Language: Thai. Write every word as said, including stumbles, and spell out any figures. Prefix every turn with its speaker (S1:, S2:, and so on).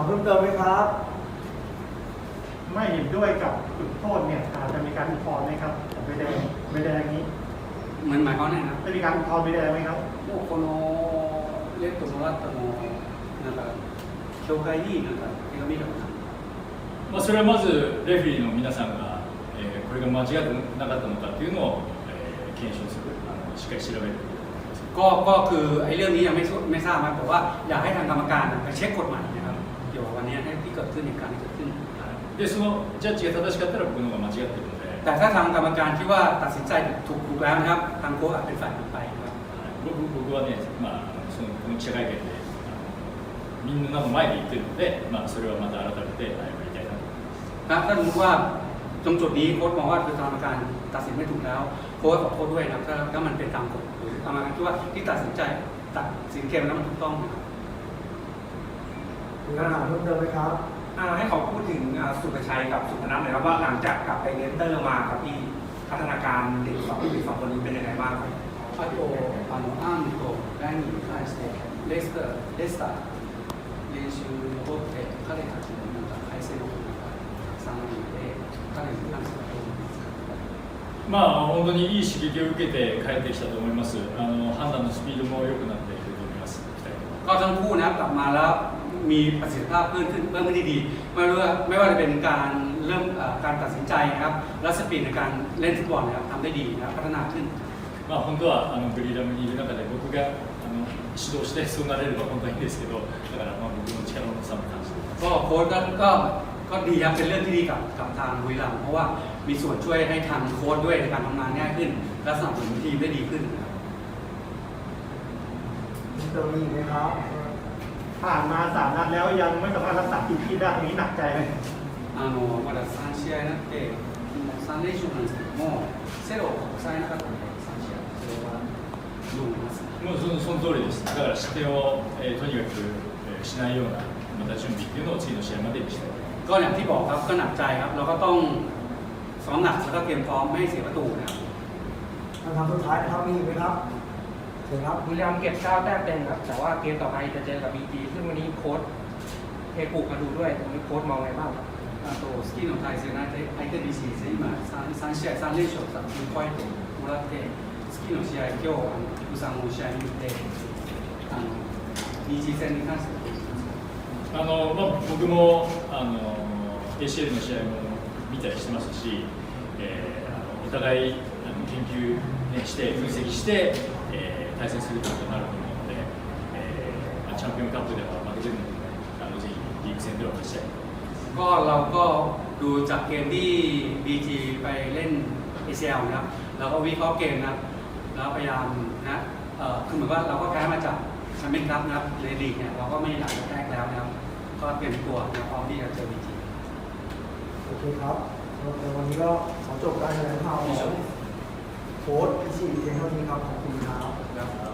S1: เพิ่มเติมไหมครับ
S2: ไม่เห็นด้วยกับจุดโทษเนี่ยอาจจะมีการอุทธรณ์ไหมครับใบแดงใบแดงนี้
S3: มันหมายความว่าไงครับ
S2: จะมีการอุทธรณ์ใบแดงไหมครับ
S3: もうこのレッドもらったのなんか教会になんか手紙とか
S4: まあ、それはまずレフェリーの皆さんが、えー、これが間違ってなかったのかっていうのを、えー、検証するあのしっかり調べる
S3: ก็ก็คือไอ้เรื่องนี้ยังไม่ไม่ทราบนะแต่ว่าอยากให้ทางกรรมการไปเช็คกฎหมายนะครับเกี่ยวกับวันนี้ที่เกิดขึ้นในการที่เกิดขึ้น
S4: でそのジャッジが正しかったら僕の方が間違っているので
S3: แต่ถ้าทางกรรมการคิดว่าตัดสินใจถูกถูกแล้วนะครับทางโค้ชอาจเป็นฝ่ายผิดไปครับ
S4: 僕僕はね、まあ、そのこの記者会見であのみんなの前で言ってるので、まあ、それはまた改めて謝りたいなと思います
S3: ถ้ารู้ว่าตรงจุดนี้โค้ชมองว่าคือกรรมการตัดสินไม่ถูกแล้วโค้ชขอโทษด้วยนะถ้าถ้ามันเป็นตามกฎหรือกรรมการคิดว่าที่ตัดสินใจตัดสินเกมแล้วมันถูกต้องนะครับ
S1: มีคำถามเพิ่มเติมไหมครับ
S5: ให้เขาพูดถึงสุภชัยกับสุพนัทหน่อยครับว่าหลังจากกลับไปเรนเตอร์มาครับพี่พัฒนาการเด็กสองเด็กสองคนนี้เป็นยังไงบ้างครับ
S3: あとあのアンとライニーに関してレスターレスター練習に残って彼たちのなんか改正のことがたくさんあるので彼に関してはどう思いますか
S4: まあ本当にいい刺激を受けて帰ってきたと思いますあの判断のスピードも良くなっていると思います
S3: ก็ทั้งคู่นะกลับมาแล้วมีประสิทธิภาพเพิ่มขึ้นเพิ่มขึ้นดีไม่ว่าไม่ว่าจะเป็นการเริ่มการตัดสินใจนะครับและสปีดในการเล่นฟุตบอลนะครับทำได้ดีนะครับพัฒนาขึ้น
S4: まあ本当はあのブリーダムにいる中で僕があの指導してそうなれれば本当はいいんですけどだからまあ僕の力の差も感じています
S3: ก็โค้ชก็ก็ดีครับเป็นเรื่องที่ดีกับกับทางบุรีรัมย์เพราะว่ามีส่วนช่วยให้ทางโค้ชด้วยในการทำงานง่ายขึ้นและสนับสนุนทีมได้ดีขึ้นนะครับ
S1: เติมอีกไหมครับ
S2: ผ่านมาสามนัดแล้วยังไม่สามารถรักษาทีมที่ได้ตรงนี้หนักใจไหม
S3: あのまださん試合になってさん連勝なんですけどもセロを抑えなかったのでさん試合それはどう思いますか
S4: もうそのその通りです。だから失点を、えー、とにかく、えー、しないようなまた準備っていうのを次の試合までにしたい。
S3: ก็อย่างที่บอกครับก็หนักใจครับเราก็ต้องซ้อมหนักแล้วก็เตรียมพร้อมไม่ให้เสียประตูนะครับ
S1: คำถามสุดท้ายนะครับมีอีกไหมครับเชิญครับ
S6: บุรีรัมย์เก็บเก้าแต้มเต็มครับแต่ว่าเกมต่อไปจะเจอกับบีจีซึ่งวันนี้โค้ชเทปูมาดูด้วยตรงนี้โค้ชมองไงบ้างครับ
S3: あとスキーの対戦相手相手 ビージー です今 3, 3試合さん連勝さにポイントもらってスキーの試合今日あの福さんの試合見てあの ビージー 戦に関してはどうですか
S4: あの、まあ、僕もあの エーシーエル の試合も見たりしてますし、えー、あのお互いあの研究、ね、して分析して、えー、対戦するということになると思うので、えーまあ、チャンピオンカップでは負けてるので、ね、あのぜひリーグ戦では勝ちたい。
S3: ก็เราก็ดูจากเกมที่ บี จี ไปเล่น เอ ซี แอล นะครับเราก็วิเคราะห์เกมนะครับแล้วพยายามนะเอ่อคือเหมือนว่าเราก็แพ้มาจากแชมเปี้ยนคัพนะครับในลีกเนี่ยเราก็ไม่หลังแรกแล้วนะครับก็เตรียมตัวพร้อมที่จะเจอ บี จี
S1: โอเคครับในวันนี้ก็ขอจบการแถลงข่าวของโค้ชพิชิตเพียงเท่านี้ครับขอบคุณครับ